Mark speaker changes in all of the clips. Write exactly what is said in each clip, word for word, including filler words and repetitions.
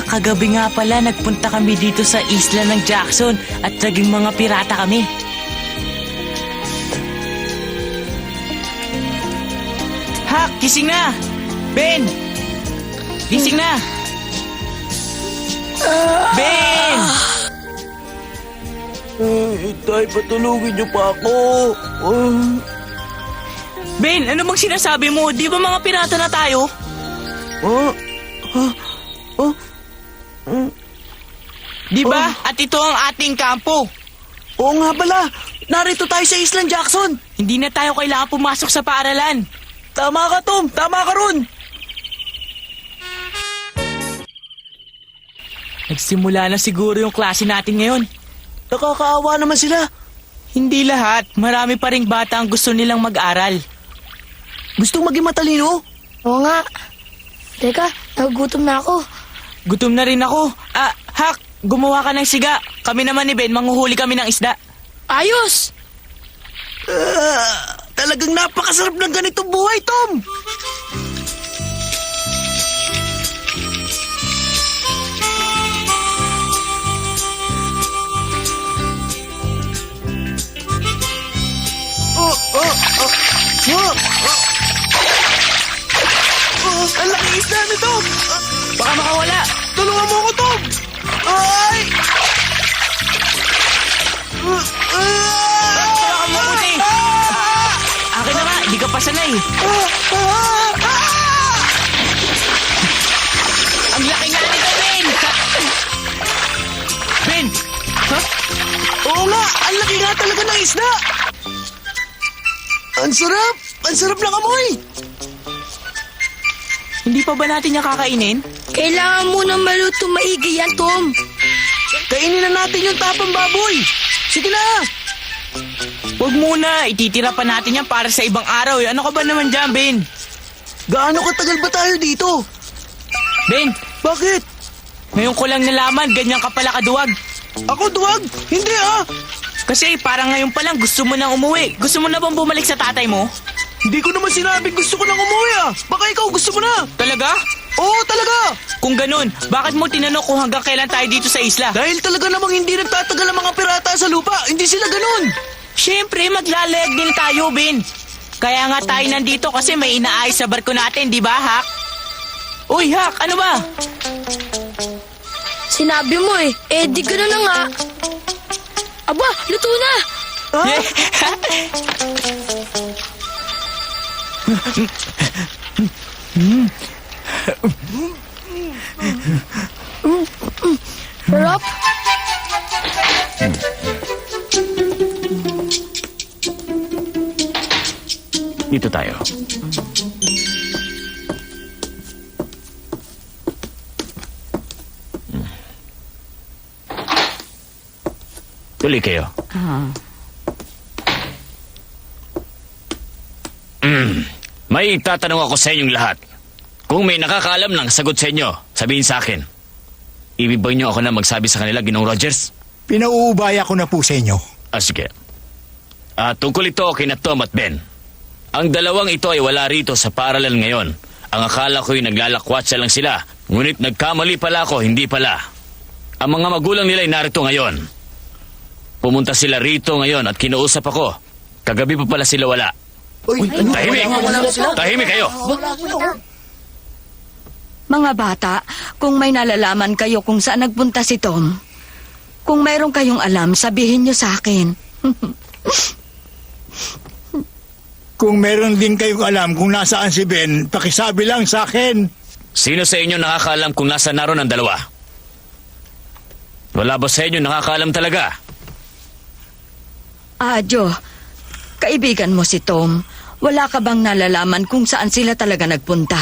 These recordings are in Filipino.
Speaker 1: kagabi nga pala nagpunta kami dito sa isla ng Jackson at naging mga pirata kami. Hak, gising na! Ben! Gising na! Ben!
Speaker 2: Eh, tay, patulugin niyo pa ako. Uh,
Speaker 1: Ben, ano bang sinasabi mo? Di ba mga pirata na tayo?
Speaker 2: uh, uh, uh, uh,
Speaker 1: Di ba? At ito ang ating kampo.
Speaker 2: Oo nga pala, narito tayo sa Island Jackson.
Speaker 1: Hindi na tayo kailangan pumasok sa paaralan.
Speaker 2: Tama ka, Tom. Tama ka ron.
Speaker 1: Nagsimula na siguro yung klase natin ngayon.
Speaker 2: Nakakaawa naman sila.
Speaker 1: Hindi lahat. Marami pa ring bata ang gusto nilang mag-aral.
Speaker 2: Gustong maging matalino?
Speaker 3: Oo nga. Teka, nagugutom na ako.
Speaker 1: Gutom na rin ako. Ah, Hak, gumawa ka ng siga. Kami naman ni Ben, manghuhuli kami ng isda.
Speaker 3: Ayos!
Speaker 2: Uh, talagang napakasarap ng ganitong buhay, Tom. Oh, oh, oh, oh, oh. Oh, ang laki isda nito. Ah,
Speaker 1: Baka makawala.
Speaker 2: tulungan mo ako, Tom. Ay! Uh, ah!
Speaker 1: Tulungan mo kasi.
Speaker 2: Ah!
Speaker 1: Akin na nga, di ka pa sanay.
Speaker 2: Ah! Ah! Ah!
Speaker 1: Ang laki nga nito, Ben! Ben! Ha?
Speaker 2: Oo nga, ang laki nga talaga ng isda. Ang sarap! Ang sarap ng amoy!
Speaker 1: Hindi pa ba natin niya kakainin?
Speaker 3: Kailangan mo na maluto maigi yan, Tom.
Speaker 2: Kainin na natin yung tapang baboy! Sige na!
Speaker 1: Huwag muna, ititira pa natin yan para sa ibang araw. eh. Ano ka ba naman dyan, Ben?
Speaker 2: Gaano katagal ba tayo dito?
Speaker 1: Ben,
Speaker 2: Bakit?
Speaker 1: ngayon ko lang nalaman, ganyan ka pala kaduwag.
Speaker 2: Ako duwag? Hindi ah!
Speaker 1: Kasi parang ngayon pa lang gusto mo nang umuwi. Gusto mo na bang bumalik sa tatay mo?
Speaker 2: Hindi ko naman sinabing gusto ko nang umuwi ah! Baka ikaw gusto mo na!
Speaker 1: Talaga?
Speaker 2: Oo, talaga!
Speaker 1: Kung ganun, bakit mo tinanong kung hanggang kailan tayo dito sa isla?
Speaker 2: Dahil talaga namang hindi nagtatagal ang mga pirata sa lupa. Hindi sila ganun!
Speaker 1: Siyempre, maglalayag din tayo, Ben. Kaya nga tayo nandito kasi may inaayos sa barko natin, di ba, Hak? Uy, Hak, ano ba?
Speaker 3: Sinabi mo eh. Eh, di gano'n na nga. Aba, luto na!
Speaker 2: Ha?
Speaker 3: Sarap.
Speaker 4: Dito tayo. Tuloy kayo. Mm. May tatanong ako sa inyong lahat. Kung may nakakaalam ng sagot sa inyo, sabihin sa akin. Ibig ba niyo ako na magsabi sa kanila, Ginoong Rogers?
Speaker 5: Pinauubaya ko na po sa inyo.
Speaker 4: Ah, sige. Ah, tungkol ito kina Tom at Ben. Ang dalawang ito ay wala rito sa paaralan ngayon. Ang akala ko'y naglalakwatsa lang sila. Ngunit nagkamali pala ako, hindi pala. Ang mga magulang nila ay narito ngayon. Pumunta sila rito ngayon at kinausap ako. Kagabi pa pala sila wala.
Speaker 2: Uy, ano?
Speaker 4: Tahimik! Tahimik kayo!
Speaker 6: Mga bata, kung may nalalaman kayo kung saan nagpunta si Tom, kung mayroon kayong alam, sabihin niyo sa akin.
Speaker 5: Kung meron din kayong alam kung nasaan si Ben, pakisabi lang sa akin.
Speaker 4: Sino sa inyo nakakaalam kung nasa naroon ang dalawa? Wala ba sa inyo nakakaalam talaga?
Speaker 6: Ah, Joe, kaibigan mo si Tom. Wala ka bang nalalaman kung saan sila talaga nagpunta?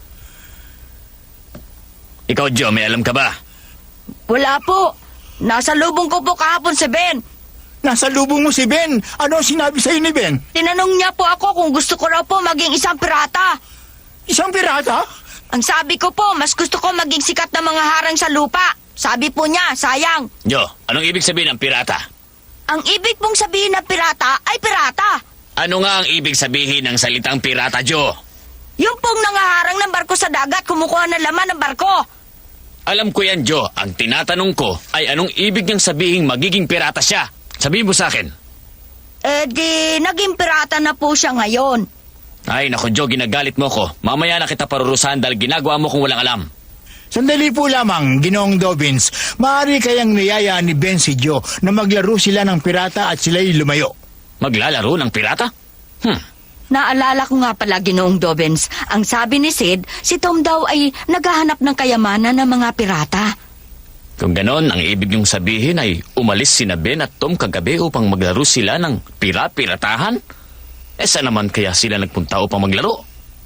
Speaker 4: Ikaw, Joe, may alam ka ba?
Speaker 6: Wala po. Nasa lubong ko po kahapon si Ben.
Speaker 5: Nasa lubong mo si Ben. Ano ang sinabi sa'yo ni Ben?
Speaker 6: Tinanong niya po ako kung gusto ko raw po maging isang pirata.
Speaker 5: Isang pirata?
Speaker 6: Ang sabi ko po, mas gusto ko maging sikat na mga harang sa lupa. Sabi po niya, sayang.
Speaker 4: Joe, anong ibig sabihin ng pirata?
Speaker 6: Ang ibig pong sabihin ng pirata ay pirata.
Speaker 4: Ano nga ang ibig sabihin ng salitang pirata, Joe?
Speaker 6: Yung pong nangaharang ng barko sa dagat, kumukuha ng laman ng barko.
Speaker 4: Alam ko yan, Joe. Ang tinatanong ko ay anong ibig niyang sabihin magiging pirata siya? Sabihin mo sa akin.
Speaker 6: Eh di, naging pirata na po siya ngayon.
Speaker 4: Ay, naku, Joe, ginagalit mo ko. Mamaya na kita parurusahan dahil ginagawa mo kung walang alam.
Speaker 5: Sandali po lamang, Ginoong Dobbins. Maaari kayang niyaya ni Ben si Joe na maglaro sila ng pirata at sila'y lumayo.
Speaker 4: Maglalaro ng pirata? Hmm.
Speaker 6: Naalala ko nga pala, Ginoong Dobbins, ang sabi ni Sid, si Tom daw ay naghahanap ng kayamanan ng mga pirata.
Speaker 4: Kung ganon, ang ibig niyong sabihin ay umalis sina Ben at Tom kagabi upang maglaro sila ng pira-piratahan? Eh, saan naman kaya sila nagpunta upang maglaro?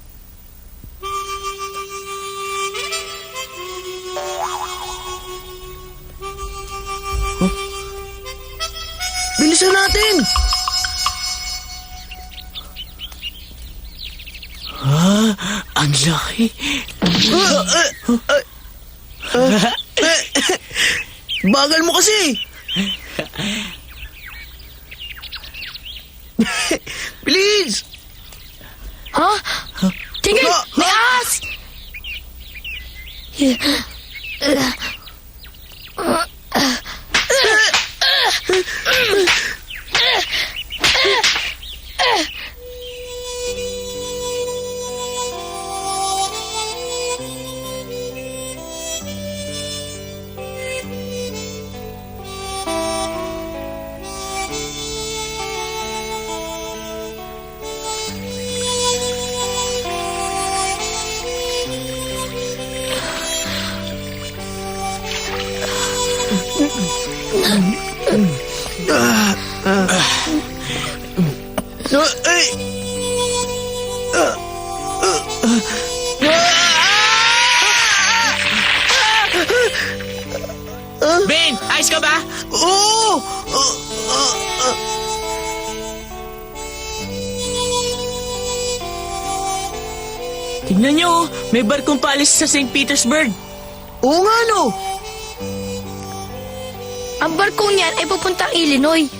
Speaker 2: Bilisan natin!
Speaker 1: Ah, ang laki.
Speaker 2: Bagal mo kasi! Bilis!
Speaker 3: Ha? Tingin!
Speaker 2: Ah,
Speaker 3: May ahas!
Speaker 2: Ah, ay!
Speaker 1: Ben, ayos ka ba?
Speaker 2: Oo!
Speaker 1: Tignan niyo, oh, may barkong paalis sa Saint Petersburg.
Speaker 2: Oo nga, no?
Speaker 3: Ang barkong niyan ay pupuntang Illinois.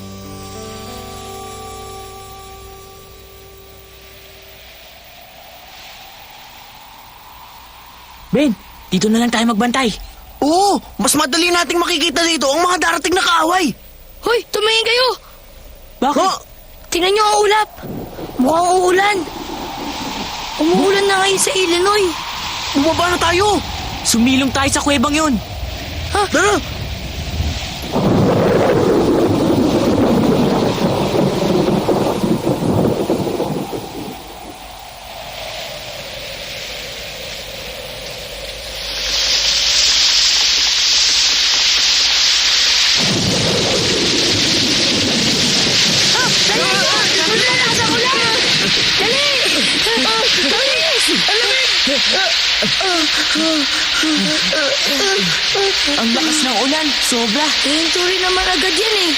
Speaker 1: Ben, dito na lang tayo magbantay.
Speaker 2: Oo! Mas madali nating makikita dito ang mga darating na kaaway!
Speaker 3: Hoy, tumingin kayo!
Speaker 1: Bakit?
Speaker 2: Ha?
Speaker 3: Tingnan niyo ang ulap. Mukhang uulan. Umuulan na ngayon sa Illinois.
Speaker 2: Bumaba na tayo!
Speaker 1: Sumilong tayo sa kuwebang yun.
Speaker 2: Tara!
Speaker 1: Ang lakas ng ulan, sobra.
Speaker 3: Hihinto rin naman agad yan eh.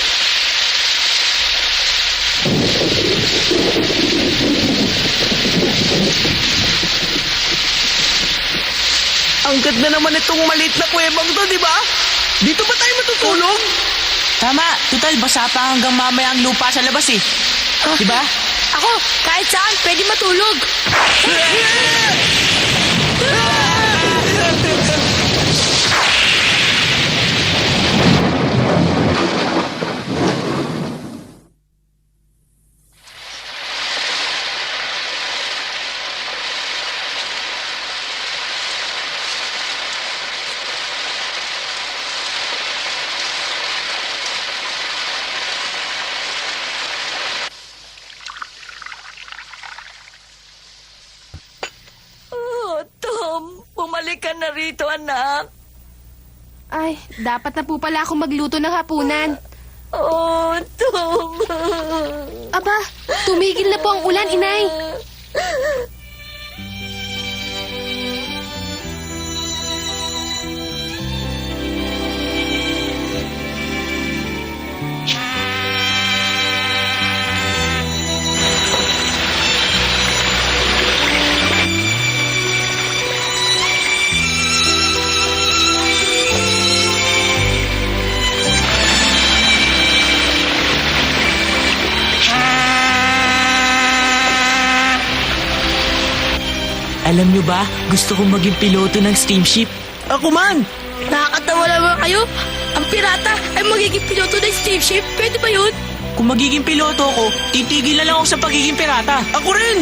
Speaker 2: Ang ganda naman itong maliit na kuwebang to, di ba? Dito ba tayo matutulog?
Speaker 1: Tama, total basa pa hanggang mamaya ang lupa sa labas eh. Di ba?
Speaker 3: Ako, kahit saan, pwede matulog.
Speaker 6: Oh, Tom, bumalik ka na rito, anak.
Speaker 7: Ay, dapat na po pala ako magluto ng hapunan.
Speaker 6: Oh, Tom.
Speaker 7: Aba, tumigil na po ang ulan, inay.
Speaker 1: Alam nyo ba, gusto kong maging piloto ng steamship.
Speaker 2: Ako man!
Speaker 3: Nakakatawa naman kayo. Ang pirata ay magiging piloto ng steamship. Pwede ba yun?
Speaker 1: Kung magiging piloto ko, titigil na lang ako sa pagiging pirata.
Speaker 2: Ako rin!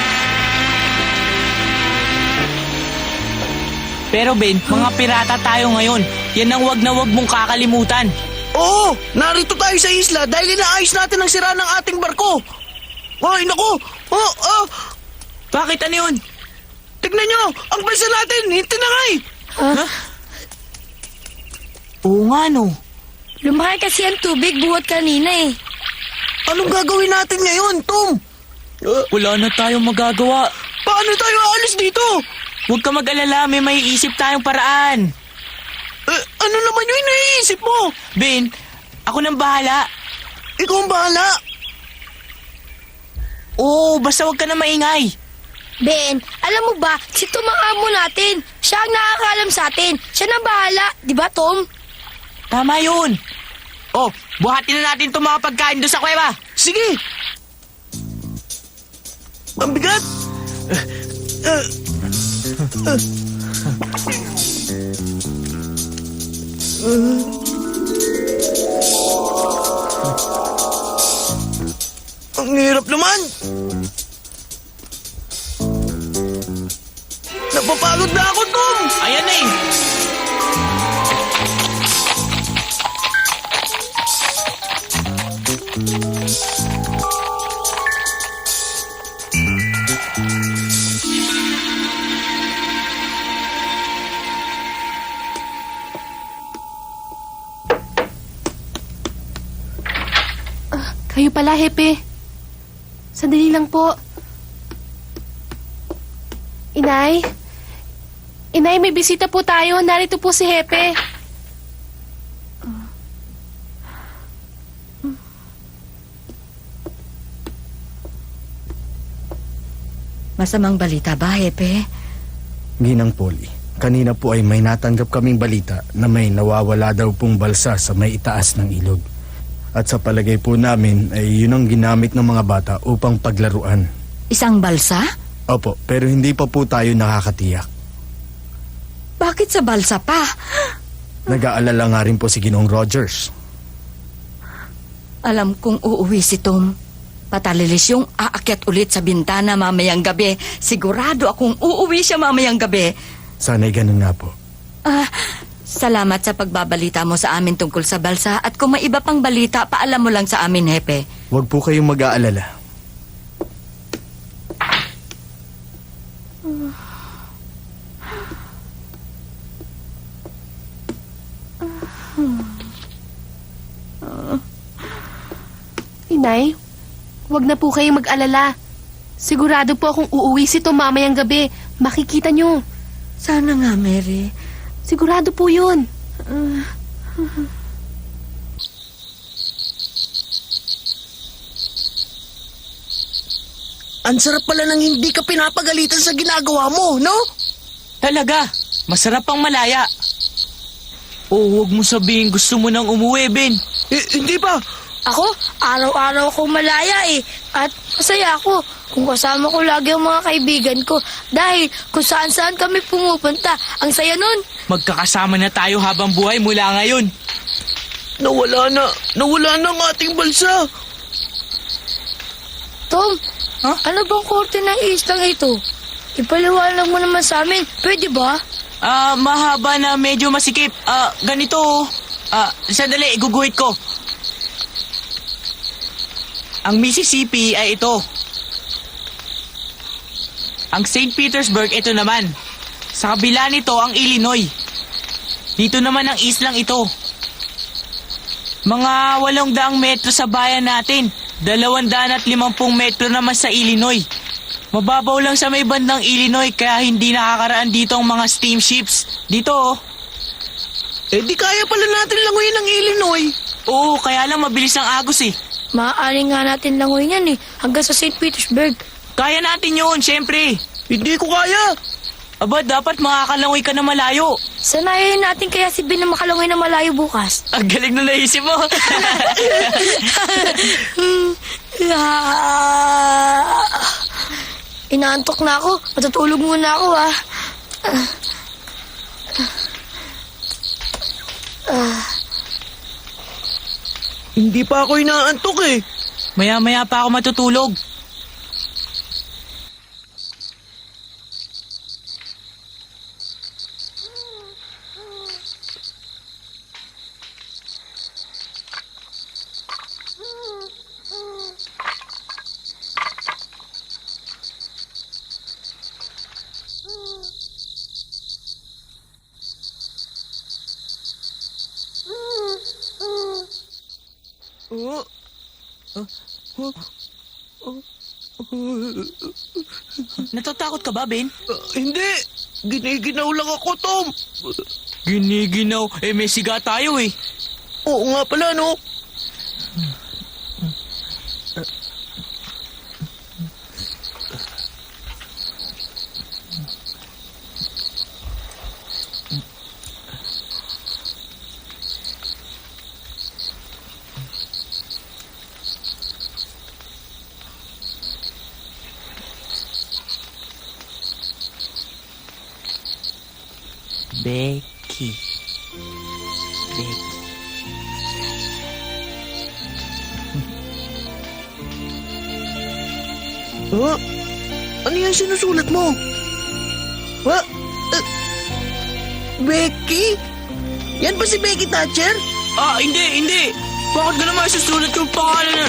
Speaker 1: Pero Ben, mga pirata tayo ngayon. Yan ang wag na wag mong kakalimutan.
Speaker 2: Oo, narito tayo sa isla dahil inaayos natin ang sira ng ating barko. Ay, naku! Oh, oh!
Speaker 1: Bakit ano yun?
Speaker 2: Tignan nyo! Ang balsa natin! Hinti na nga eh!
Speaker 1: Oo nga no.
Speaker 3: Lumaki kasi ang tubig buhat kanina eh.
Speaker 2: Anong gagawin natin ngayon, Tom? Uh,
Speaker 1: Wala na tayong magagawa.
Speaker 2: paano tayo aalis dito?
Speaker 1: Huwag ka mag-alala, may maiisip tayong paraan.
Speaker 2: Eh, ano naman yung iniisip mo?
Speaker 1: Ben, ako nang bahala.
Speaker 2: Ikaw ang bahala.
Speaker 1: Oo, basta huwag ka na maingay.
Speaker 3: Ben, alam mo ba, si Tom ang amo natin. Siya ang nakakaalam sa atin. Siya na bahala. Di ba, Tom?
Speaker 1: Tama yun. Oh, buhatin na natin itong mga pagkain doon sa kuweba.
Speaker 2: Sige. Ang bigat. Uh, uh, uh. Ang hirap naman. Napapagod na ako, Tom.
Speaker 1: Ayan na eh.
Speaker 7: Kayo pala, Hepe. Sandali lang po. Inay? Inay, may bisita po tayo. Narito po si Hepe.
Speaker 6: Masamang balita ba, Hepe?
Speaker 8: Ginang Polly, kanina po ay may natanggap kaming balita na may nawawala daw pong balsa sa may itaas ng ilog. At sa palagay po namin ay yun ang ginamit ng mga bata upang paglaruan.
Speaker 6: Isang balsa?
Speaker 8: Opo, pero hindi pa po tayo nakakatiyak.
Speaker 6: Bakit sa balsa pa?
Speaker 8: Nag-aalala nga rin po si Ginoong Rogers.
Speaker 6: Alam kong uuwi si Tom. Patalilis yung aakyat ulit sa bintana mamayang gabi. Sigurado akong uuwi siya mamayang gabi.
Speaker 8: Sana'y ganun nga po.
Speaker 6: Ah, salamat sa pagbabalita mo sa amin tungkol sa balsa. At kung may iba pang balita, paalam mo lang sa amin, Hepe.
Speaker 8: Huwag po kayong mag-aalala.
Speaker 7: Inay, huwag na po kayong mag-alala. Sigurado po akong uuwi si Tom mamayang gabi. Makikita nyo.
Speaker 6: Sana nga, Mary.
Speaker 7: Sigurado po yun.
Speaker 2: Ang sarap pala ng hindi ka pinapagalitan sa ginagawa mo, no?
Speaker 1: Talaga, masarap ang malaya. Oh, huwag mo sabihin gusto mo nang umuwi, Ben.
Speaker 2: Eh, hindi pa.
Speaker 3: Ako, araw-araw akong malaya eh. At masaya ako kung kasama ko lagi ang mga kaibigan ko. Dahil kung saan-saan kami pumupunta, ang saya nun.
Speaker 1: Magkakasama na tayo habang buhay mula ngayon.
Speaker 2: Nawala na. Nawala na ang ating balsa.
Speaker 3: Tom,
Speaker 1: Huh?
Speaker 3: ano bang korte ng islang ito? Ipaliwanag mo naman sa amin. Pwede ba?
Speaker 1: Ah, mahaba na medyo masikip. Ah, ganito. oh. Ah, sandali, iguguhit ko. Ang Mississippi ay ito. Ang Saint Petersburg, ito naman. Sa kabila nito, ang Illinois. Dito naman ang islang ito. Mga walong daang metro sa bayan natin. Dalawang daan at limampung metro naman sa Illinois. Mababaw lang sa may bandang Illinois kaya hindi nakakaraan dito ang mga steamships. Dito oh.
Speaker 2: Eh di kaya pala natin languyin ang Illinois.
Speaker 1: Oo, kaya lang mabilis ang agos eh.
Speaker 3: Maaari nga natin langoy yan eh. Hanggang sa Saint Petersburg.
Speaker 1: Kaya natin yun, syempre.
Speaker 2: Hindi ko kaya.
Speaker 1: Aba, dapat makakalangoy ka na malayo.
Speaker 3: Sanayin natin kaya si Ben na makalangoy na malayo bukas.
Speaker 1: Ang galing na naisip mo.
Speaker 3: Ah, inaantok na ako. Matutulog muna ako ah.
Speaker 2: Hindi pa ako inaantok eh.
Speaker 1: Maya-maya pa ako matutulog.
Speaker 2: Oh,
Speaker 1: Natatakot ka ba, Ben?
Speaker 2: ah, hindi. Giniginaw lang ako, Tom.
Speaker 1: Giniginaw. Eh, may siga tayo eh.
Speaker 2: Oo nga pala, no?
Speaker 1: Becky. Becky.
Speaker 2: Ha? Ano yan sinusulat mo? Ha? Eh, Becky? Yan ba si Becky Thatcher?
Speaker 1: Ah, hindi, hindi. Bakit ka naman susulat yung pangalan na...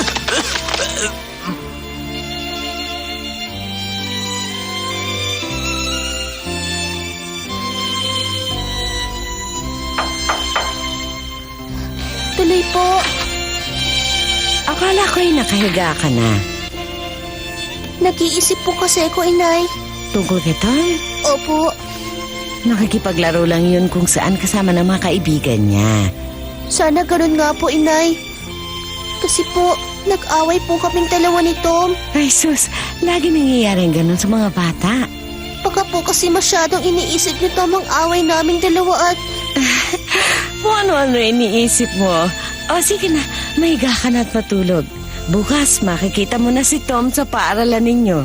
Speaker 3: Tuloy po.
Speaker 9: Akala ko'y nakahiga ka na.
Speaker 3: Nag-iisip po kasi ako, inay.
Speaker 9: Tungkol kay Tom,
Speaker 3: Opo.
Speaker 9: nakikipaglaro lang yun kung saan kasama ng mga kaibigan niya.
Speaker 3: Sana ganun nga po, inay. Kasi po, nag-away po kaming dalawa ni Tom.
Speaker 9: Ay sus, lagi nangyayaring ganun sa mga bata.
Speaker 3: Baka po kasi masyadong iniisip ni Tom ang away naming dalawa at...
Speaker 9: Kung ano-ano iniisip mo. O sige na, mahiga ka na at matulog. Bukas makikita mo na si Tom sa paaralan ninyo.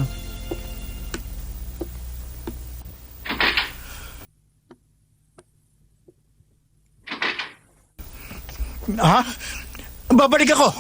Speaker 5: Ha? Babalik ako.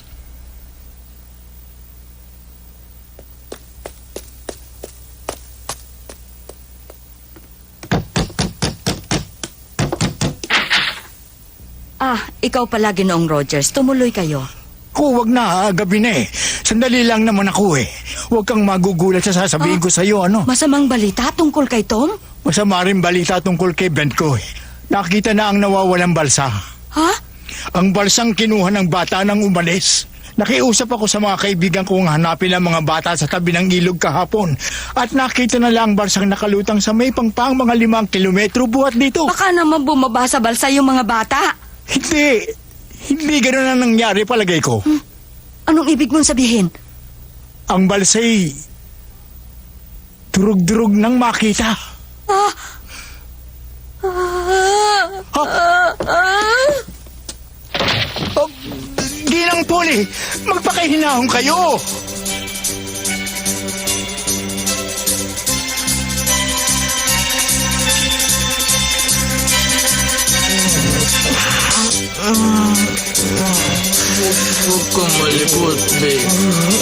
Speaker 6: Ah, ikaw pala, Ginoong Rogers. Tumuloy kayo.
Speaker 5: Ko, wag na, ha? Gabi na eh. Sandali lang naman ako eh. Huwag kang magugulat sa sasabihin ko sa'yo, ano?
Speaker 6: Masamang balita tungkol kay Tom?
Speaker 5: Masama rin balita tungkol kay Ben ko eh. Nakita na ang nawawalang balsa.
Speaker 6: Ha?
Speaker 5: Ang balsang kinuha ng bata nang umalis. Nakiusap ako sa mga kaibigan kong hanapin ang mga bata sa tabi ng ilog kahapon. At nakita na lang ang balsang nakalutang sa may pangpang mga limang kilometro buhat dito.
Speaker 6: Baka naman bumaba sa balsa yung mga bata.
Speaker 5: Hindi. Hindi ganun ang nangyari palagay ko.
Speaker 6: Hmm? Anong ibig mong sabihin?
Speaker 5: Ang balsa'y durug-durug nang makita.
Speaker 6: Ah! Ah!
Speaker 5: Ha?
Speaker 6: Ah!
Speaker 5: Oh, Ginang Poli, magpakahinahon kayo.
Speaker 1: Huwag kang malipot, babe.